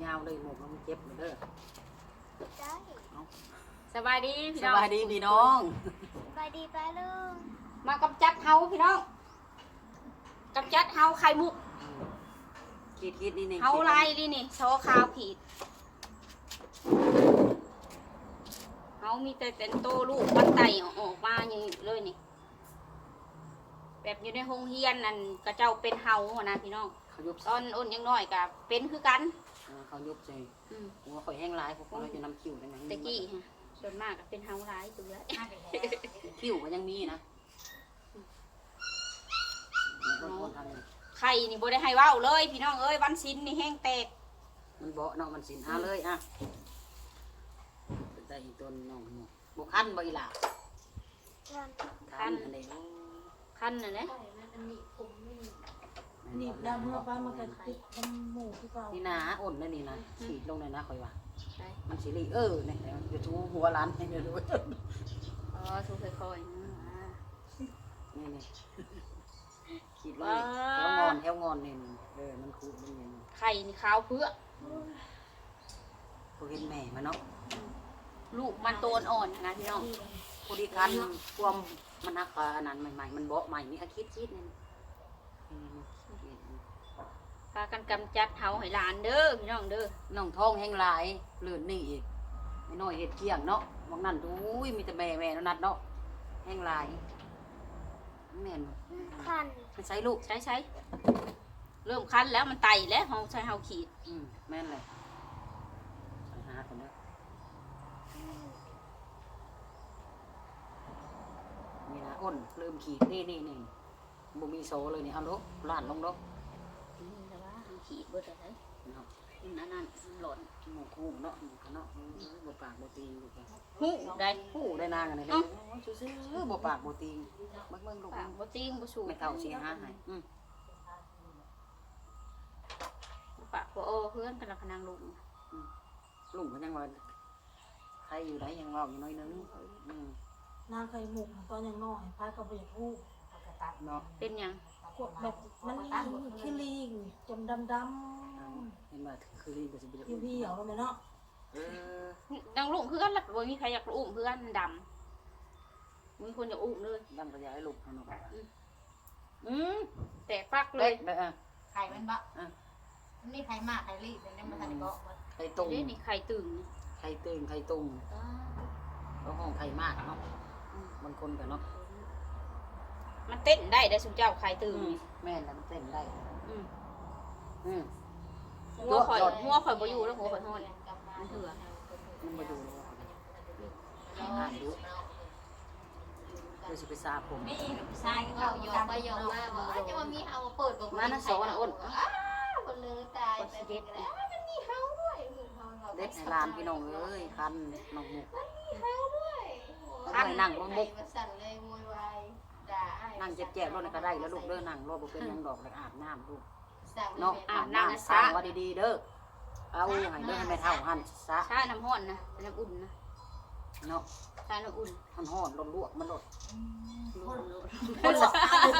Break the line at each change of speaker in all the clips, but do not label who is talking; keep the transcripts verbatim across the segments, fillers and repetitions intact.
ยาวเลยหมกมันเจ็บเด้อ
สบายดีพี่
ส
น้อง
บายดีพี่น้อง
สบายดีป้าลุง
มากำจัดเฮาพี่น้องกำจัดเฮาไข่มุก
คิดคิดนี่นี่
เฮาลายดินี่โชว์ขาวขีดเฮามีแต่เป็นโตลูกมันไตออกมาอย่างนี้เลยนี่แบบอยู่ในโรงเรียนนั่นกระเจ้าเป็นเฮาหัวนะพี่น้อง
เขายุบ
ตอนอ้นยังน้อยกับเป็นคือกัน
เขายุบใจ
อืม
หัวข่อยแห้งลายพวกเราจะนำคิ้วได้ไหม
ตะกี้ฮะส่วนมากก็เป็นเฮาร้ายตัวเลย
คิ้วก็ยังมีนะมันคนทำนี่
ไข่นี่บ่ได้ให้เว้าเลยพี่น้องเอ้ยวันศิลนี่แห้งแตก
มันเบาเนาะมันสินอาเลยอ่ะได้อีกตัวน้องบุกคันบ่อีหล่ะ
วัน
คันอันนี้
คันน่ะนะ
หนีบดำเมื่อป้ามันก็ติดทำหมูที่เก่า
นี่นะอ่อนนั่นนี่นะฉีดลงเลยนะข่อยว่า
ใช่
มันสิริเออเนี่ยเดี๋ยวชูหัวร้านให้เดี๋ยวดู
อ๋อทุกค่อยๆนะอ่า
นี่นี่ขีดลงแถวงอนแถวงอนนี่เออมันคูดมันนี่
ไข่นี่ขาวเพื่อ
พวกเห็นแม่มันเนาะ
ลูกมันโตนอ่อนนะพี่น้อง
พอดีคันความมันหักอันนั้นใหม่ๆมันเบาะใหม่นี่อาคิดคิดนี่
พากันกำจัดเฮาให้หลานเด้อพี่น้องเด้อ
น้องท้องแห้งหลายเลื่อนนี่อีกไม่น้อยเห็ดเกี้ยงเนาะบางนั่นดูมีแต่แม่แม่นั่นนัดเนาะแห้งหลายแม่น
คัน
มันใช้ลูก
ใช้ใช้เริ่มคันแล้วมันไตแล้วเฮาใช้เฮาขีด
อืมแม่นเลยใส่หาคนเด้อนี่นะอ้นเริ่มขีดนี่นี่นี่บ่มีโซเลยนี่เอาลูกล้านลงลูก
นี่แต่ว่าเฮาขีดเบิดอะไร
เนาะ
นั่นนั่นหล่น
หมูคู่เนาะหมูเนาะบ่ปากบ่ตีลูก
หูได้
คู่ได้นางอันนี้เด้อซื่อๆบ่ปากบ่ตีเบิ่งเบิ่งลูก
ปากบ่ติงบ่สูง
ไม่เท่าสิหาให้อืม
ปากบ่โอ้เพื่อนกันละพนังลุง
ลุงก็ยังว่าใครอยู่ไหนยังเว้าอยู่น้อยนึงอืม
นางไข่หมูตอนยังน้อยป้าก็ไปอยากพูด
เนาะ
เป็นหยัง
กดแบบมันขี้ลิงจนดำดำ
เห็นว่าคือลีก็สิเป็น
พี่พี่เหรอแล้วไหมเนาะ
เออ
ดังลุงเพื่อนละบ่มีใครอยากอุ้มเพื่อนดำมีคนอยากอุ้มเลย
ดังกระยายลูกเนาะ
อืมแตกปักเล
เล็
ย
กเด้อ
ไข่มันบะนี่ไข่มากไข่รีบแต่เนี่ยมันทันบอกว่า
ไข่ตุ่ม
นี่นี่ไข่ตึงนี่
ไข่ตึงไข่ตุ่มก็ห้องไข่มากเนาะบางคนก็เนาะ
มันเต้นได้ได้สุเจ้าไข่ตึงนี่
แม่นแล้วมันเต้นได้
อืม
อืม
หัวข่อยหัวข่อยบ่อยู่แล้วหัวข่อยห้อนมันเถื่อ
มันมาดูแล้วอ่านดูเดี๋ยวสิไปซาผม
นี่ชายก็โยกไปโยกมาบอกว่าจะมามีเฮาเปิดบอก
มานะโซนะอ้น
คนเลยตายไปเด็ดแล้วมันมีเฮาด้วยมึงเฮาบอก
เด็ดให้ลานพี่น้องเอ้ยคันน้องหมุก
มีเฮาด้วย
คันนั่งบ่มุก
มันสั่นเลยโวยวายด่าอ้าย
นั่งเจ็บแจ็บรถก็ได้แล้วลูกเด้อนั่งรถบ่เป็นหยังดอกแล้วอาบน้ำลูก
สั่ง
เนาะอาบน้ำสร้างว่าดีๆเด้อเอาให้เด้อให้แม่เฒ่าหันซะ
ชาน้ำห้อนนะน้ำอุ่นนะ
เนาะ
ชาน้ำอุ่น
มันฮ้อนร้อนลวกมันลด
คนลวก
คนหลอก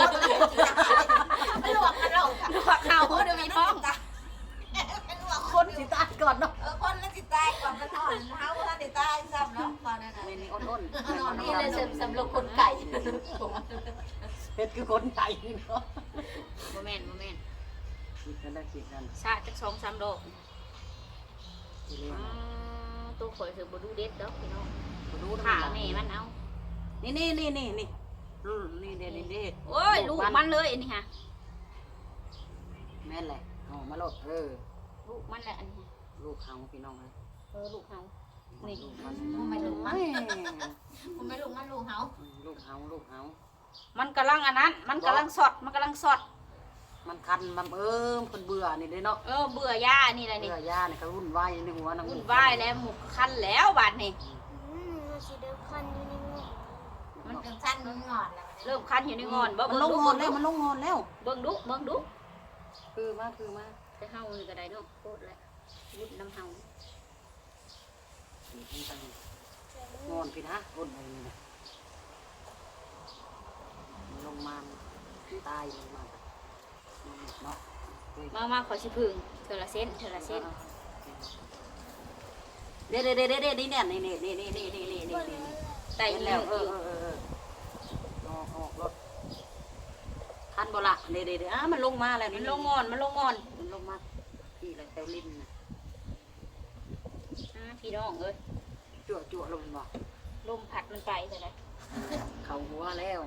มันหลอกมันหลอก
ลวกข้าวเดี๋ยวมีท้อง
คนสิตายก่อนเนาะ
เออคนมันสิตายก่อนมันถอนเฮาถ้าสิตายซ้ำเนาะตอนนั้น
นี่นี่อ้นๆ
นี่เลยสำหรับคนไก่
เฮ็ดคือคนไทยเนาะ
บ่แม่นบ่แม่น
คิดกันได้คิดกัน
ชาจักสองสามดอก
สิเรียน
อ่าตัวข่อยคือบ่ดูเด็ดดอกพี่น้อง
บ่รู้
ขาแม่มันเอา
นี่นี่นี่นี่นี่อืมนี่เด้นี่เด้
โอ้ยลูกมันเลยอันนี้ฮะ
แม่นแหละเอามาลดเออ
ลูกมันแหละอันนี้
ลูกเฮาพี่น้องเอ้ย
เออลูกเฮา นี่
ลูกมัน
ไม่รู้
ไม่
ผมไม่รู้มันรู้เฮา
ลูกเฮาลูกเฮา
มันกำลังอันนั้น มันกำลังสด มันกำลังสด
มันคันมันเอิ้มเพิ่นเบื่อนี่เด้เนาะ
เออเบื่อย่านี่แหละนี่
เบื่อย่านี่ก็วุ่นวายอยู่ในหัวนัง
วุ่นวายแล้วหมุกคันแล้วบาดนี่
อืมมันสิเดิมคันอยู่ในมือ
มันจังสั้นมันงอนแล้ว
เริ่มคันอยู่ในงอนบ่
มัน
เบิ่ง
ลง
ดู
งอนแล้วมันลงงอนแล้ว
เบิ่งดูเบิ่งดู
คือมาคือมา
ไปเฮานี่ก็ได้เนาะโคตรแล้ววุ่นน้ำเฮา
งอนพี่นะอ้นไปนี่นะลงมาตายลงมาเนาะ
มามาขอสิพึ่งเทอละเส้นเทอละเส้น
เด้เด้เด้เด้เด้นี่เนี่ยนี่นี่นี่นี่นี่นี่นี่นี่
ไต่
เห็น
แล้
แล้ว วเออเออเออเออออกออกรถทันบ่ละเด้เด้เด้อ่ะมันลงมาแล้ว
มั
นี่
นลงงอนมันลงงอน
มันลงมาพี่อะไรแถวลิ้นน่ะ
อ่าพี่น้องเอ้ย
จั่วจั่วลงบ่
ลมพัดมันไปแต่ไหน
เข้าหัวแล้ว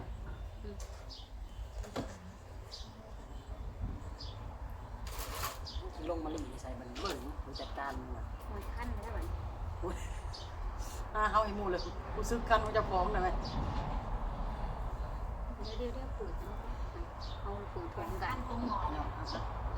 ลงมาลิ้นใส่มันเบิ่งรู้จัดการมันว่ะ
มันขั้นแล้วมัน
อ่าเฮาให้หมู่เลยกูซึกกันว่าจะฟ้องได้ไหม
เดี๋ยวเดี๋ยวเดี๋ยวปืดเนาะเอาปืดพร้อมกัน
ตรงหมอน
เนาะเอาซะ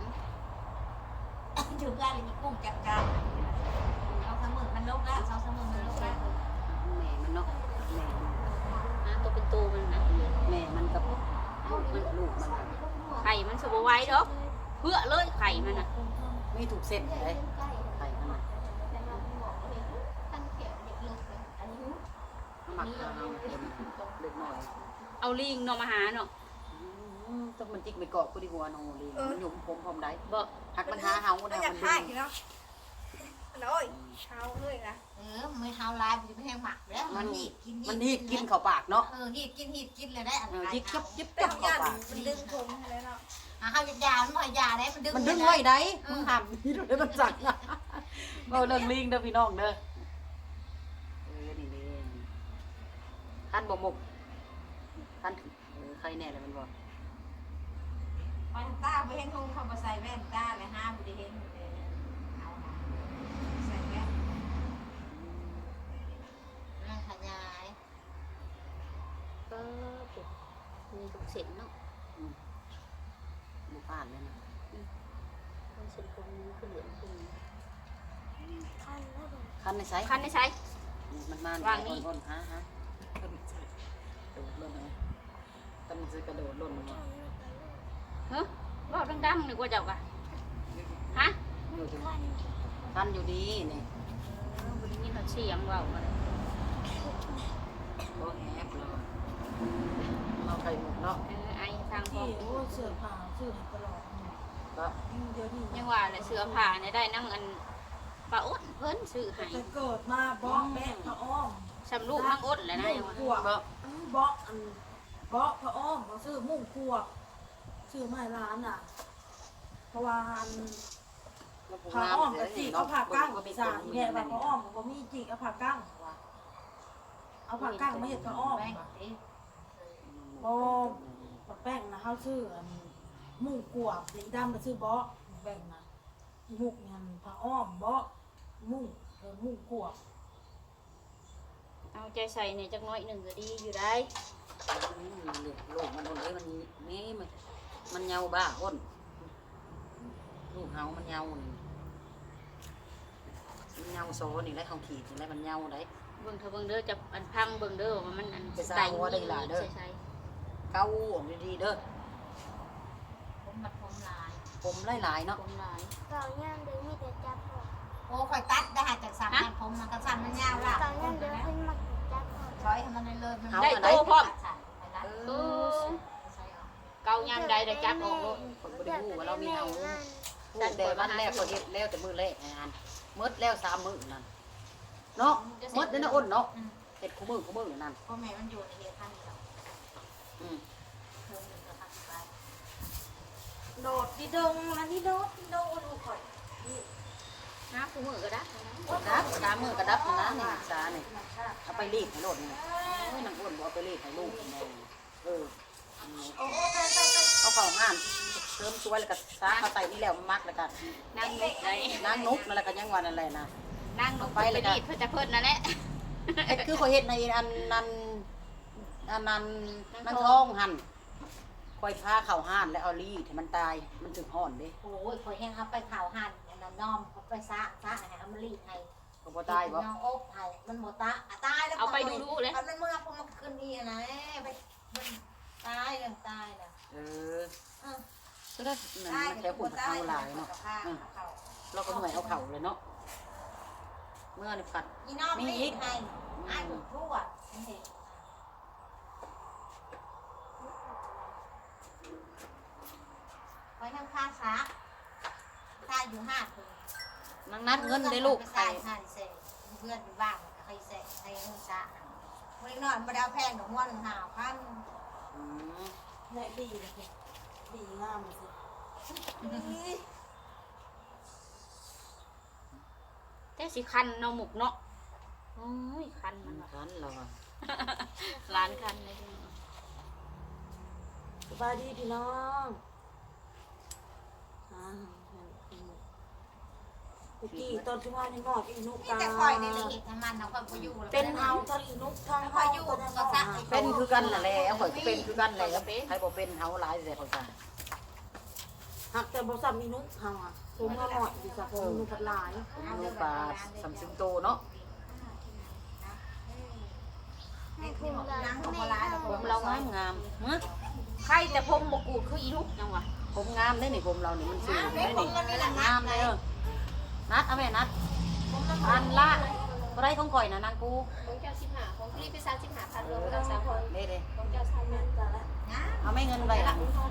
ถึงกันเลยมีกุ้งจัดการเอาสมุนมันลกแล้วเอาสมุนมันลกแล้ว
แม่มันเนาะแม่มัน
อ่าตัวเป็นตัวมันนะ
แม่มันกับลูกมันลูกมัน
ไข่มันสบไว้ดอกเพื่อเลยไข่มันน่ะ
ไม่ถูกเส้นเลยไข่มันน่ะ
ตั้งเขียวเด็กลูกเลยอันนี้
หมักเอาเต็มเล็กน้อย
เอาลิงเนาะมาหาเนาะ
อืมต้องมันจิกไปเกาะกูดีหัวน้องลีมันหยุ่มผมพร้อมได้
บ่
หักมันหาเฮา
ก็
ได้
อยา
มั
ก
น
ให้
ดึง
เนาะโอ้ยเช้าเลยนะ
เออไม่เท้าลายมันจะไม่แห้งหมักแล้วมันหีดกิน
มันหีดกินเข้าปากเนาะ
เออหีดกินหีดกินเลยได้อัน
เออ
ตราย
จิกจับจิบ
แต่
จับ
ทำ
เข้าง
าน
ปาก
มันดึงผมให้แล้วเนาะ
อ่ะเขาจะยามันบ่อยยาได้มันดึง
มันดึงไว้ได้มึงห้ามนี่ดูได้มันสั่งเอาเรื่องลิงเด้อพี่น้องเด้อเออนี่นี่ท่านบ่มุกท่านเออใครแน่เลยมันบอก
มันตาไปเห็นคงเขามาใส่แว่นตาเลยห้ามไปเห็นเอาใส่แว่นน่าขยาย
ก็ปุ๊บมีทุกเส้นเนาะ
บุผ่านเลยนะ
มันเส้นตรงนี้คือเหลืองตรงนี้
คันแล้วบ่
คันในไซส์
คันได้ใช้
มันมาว
างนี่
อ่อนๆฮะฮะกระโดดล่นเลยตั้งซื้อกระโดดล่นลงมา
เฮ้ยบ่ดังๆนึกว่าเจ้ากะฮะ
อยู่ตรง
คัน
คันอยู่ดีนี่
เออบ่ได้ยินเขาเสียงเว้ามาเลย
ก็แฮบเลยเราไข่หมกเนาะ
เออไอ้ทางพ่อ
ที่โอ้เสื้อผ้าซื้อให้ตลอด
ก็
เดี๋ยวนี้
ยังว่าเลยเสื้อผ้าเนี่ยได้นั่งอันปลาอ้นเพิ่นซื้อให้
จะเกิดมาบ้องแม่พระอ้อม
สำลูกนั่งอ้นเลยนะยังว่า
ขวบ
ก็
บ้องอันบ้องพระอ้อมเขาซื้อมุ่งขวบซื้อไม้ร้านอ่ะ เพราะว่าอันพระอ้อมกับจีเอาผ้ากั้งสารแม่ว่าพระอ้อมก็มีจีเอาผ้ากั้งว่ะเอาผ้ากั้งไม่เห็นพระอ้อม
แว่น
ว่ะ
ดิ
โอ้ปะแป้งนะเขาซื้ออันมุ่งกวบสีดำไปซื้อเบาะแบ่งนะอีมุกเนี่ยผ้าอ้อมเบาะมุ่งเออมุ่งกวบ
เอาใจใส่เนี่ยจักหน้อยหนึ่งก็ดีอยู่ได้
ลูกมันอ้นเลยมันนี่มันมันเงาบ้าอ้นลูกเฮามันเงานี่มันเงาโซนี่แหละเขาขีดนี่แหละมันเงาได้
เบิ่งเถอะเบิ่งเด้อจะอันพังเบิ่งเด้อว่ามันอัน
ไปสร้างหัวได้หลายเด้อ
ใช่ใช่
เก้าออกดีๆเด้อ
ผมมัดผมลาย
ผมหลายๆเนาะ
ผมหลาย
เก่าย่างเดินมีแต่จับออก
โอ้คอยตัดได้หาจากสามพันผมมันก็สั่นมันยาวละ
เก่าย่างเดินเพิ่นมักจับออก
ช้อยให้มันเลยเลยมัน
ได้โตพร้อม
เอ
เอ
อ
อเกายามใดได้จับออกโลด
คนบ่ได้ฮู้ว่าเรามีเฮา
นั่น
แต่แต่วันแรกก็เฮ็ดแล้วแต่มื้อแรกงานหมดแล้วสามมื้อนั่นเนาะหมดเด้อนะอ้นเนาะเฮ็ดคู่มื้อคู่มื้อนั่น
พ่อแม่มันอยู่ในเฮ็ดท่านเรา
อืม
เพิ่มหนึ่งก็พันไป
โดดดีดงอันนี้โดดดีดงลูกข่อย
หาคู่มือก็ได้
ดับสามมื้อก็ดับนะนี่สานี่เอาไปรีดให้โลดนี่โอ้ยนางอ้นบ่เอาไปรีดให้ลูกแม่เออ
โอ้โหไปไปไป
เอาเข้าห้านเติมช่วยแล้วก็ซาเข้าใส่นี่แล้วมักแล้วก็
นั่งนุกไง
นางนุกนั่นแหละก็ยังว่านั่นแหละนะ
นั่งนุกไปเลยดีดเพื่อจะเพิ่นนั่นแหละ
เฮ็ดคือข่อยเฮ็ดในอันนั้นอันนั้นนางท้องหั่นข่อยพาเข้าห้านแล้วเอารีดให้มันตายมันถึงห่อนเด้
โอ้ยคอยแห้งครับไปข่าวหันอันนั้นน้อมเขาไปซะซะให้อมรีให้
ก็บ่ตายบ่
น้องอบไทยมันบ่ตาตายแล้ว
เอาไปดูดูเลย
มันเมื่อพวกมันคืนดีนะไปมันตายกันตายนะ
เออ
เออ
ก็ได้นั่น
ตาย
มันแค่ปุ่นเท้าหลายเนาะอืมเราก็เหนื่อยเอาเข่าเลยเนาะเมื่อนี่ผัด
อีน้องรีดให้ไอ้บุกทั่วนี่ไปทางข้าซะข้าอยู่ห้าคน
ในนังนัดเงินได้ลูก
ใส่
ใส่
หันเสเพื่อนบ้างใครเสใส่เงินซะวันนี้นอนมาดาวแพงดอกม้วนหนึ่งหาพัน
อืม
แม่ดีเลยสิดีงามเลยสิ
แต่สิคันเนาะหมกเนาะโอ้ยคันมันว่ะ
คันเราอะ
ร้านคันเลย
สบายดีพี่น้องอ่าตะกี้ตอนที่ว่าในหมอดอีนุก
นี่
กา
แต่คอยในละเอียดน้ำมันนะคอยพอยู่
เป็นเฮาทะลีนุกทาง
ค
เฮา
อยอยู่
ก็
ก็
ได้
ซะ
เนาะ
เป็นคือกันน่ะแหละข่อยก็เป็นคือกันแหละใครบ่เป็นเฮาหลายแต่ข่อยก็
หักแต่บ่ซ้ำอีนุกเฮาอ่ะผมมาหมอดอยู่ซะผมนุกพัดหลาย
ลูกปลาสัมสิงโตเนาะ
ในที่หมดล้างของโบราณ
ผมเรางามงามฮะ
ใครแต่ผมบกูดคืออีนุกยังวะ
ผมงามได้นี่ผมเรานี่มันสูงได้นี่งามเลยเออนัดเอาแม่นัดอันละบ่ได้ของข่อยนะนางกู
ของเจ้าสิบห้าของพี่พิซซ่าสิบห้าพันรวมกันสามคน
เด้เด้
ของเจ้าสามพัน
นะ
เอาไม่เงินไว้ล่ะ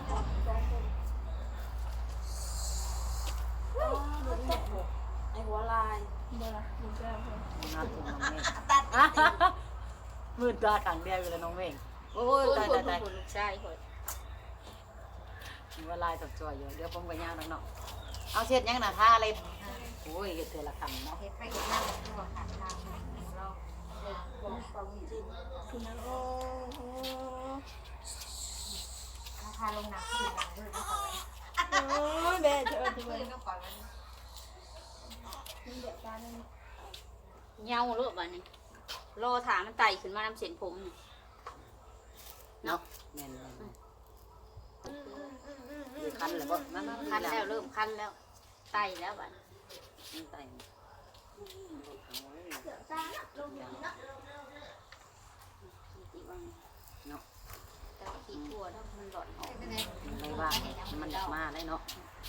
ไอ้หัวลาย
บ่ละของเจ้าคน
นัดน้องเมฆ
ตัด
มืดตาขังเดียวอยู่แล้วน้องเมฆโอ้ย
โอ้ย
ตาย
คน
ตายตาย
คนลูกชายคน
มีเวลาสับจ่อยอยู่เดี๋ยวผมก็ย่างน้องๆเอาเช็ดยังน่ะทาอะไรโอ้ยเฮ็ดเทอละคำเนาะ
เห็ดไปเห็ดนั่งตัวขาดทางเรา
ความจริง
คือนั้นโอ้โห
ราคาลงหนักขึ้นหนักขึ้นก็ก่อน
โอ้ยแม่เธอ
ขึ้
ทำไม
นก็ก่อนมัน
มันเดือดร้อนเลย
เหงาเลือบ้านี้รอถามมันไต่ขึ้นมาน้ำเส้นผมนี่
เนาะแม่นๆมีคันแล้วบ่นั่นๆ
คันแล้วเริ่มคันแล้วไต่แล้วบ้านี้
มันไต
ตีว่าง
เนาะ
แต่ว่าขี้ทั่วแล้วมันหลอนออก
ไม่ว่ามันอยากมาได้เนาะ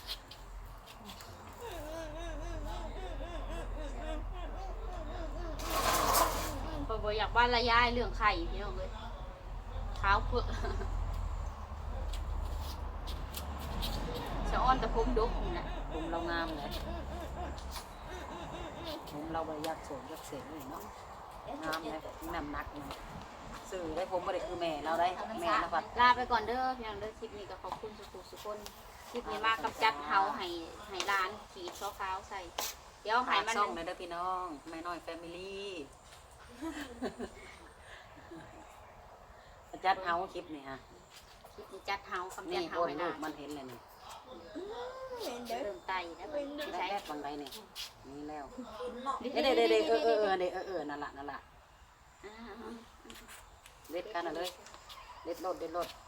พอบ่อยากบ้านละยายเรื่องไข่พี่น้องเลยเท้าเพื่อสะอ้อนแต่ผมดกนี่แหละ
ผมเรางามเลยผมเราบ่อยากโสมอยากเสกเลยเนาะงามเลยน้ำหนักมันสื่อได้ผมบ่ได้คือแม่เราได้แม่นะพัด
ลาไปก่อนเด้อพี่น้องเด้อคลิปนี้ก็ขอบคุณสุขุสุคนคลิปนี้มากับจัดเฮาให้ให้ร้านขีดช้อขาวใส่ เดี๋ยวให้
ฝาก
มัน
ช่องหน่อยเด้อพี่น้องแม่น้อยแฟมิลี่จัดเฮาคลิปนี่ฮะ
คลิปนี้จัดเฮาคำจั
นี่
ดเฮา
โอน
ให้
ลู
ร้าก น
มันเห็นเลยนี่
เริ่มไต่แล้วไม่
แร
ใช่
กๆบางใดนี่นี่แล้ว
เนาะ
เด้เด้เด้เออเออเออเด้เออเออนั่นล่ะนั่นล่ะ
อ่า
เด็ดกันน่ะเลยเด็ดรถเด็ดรถ
ๆ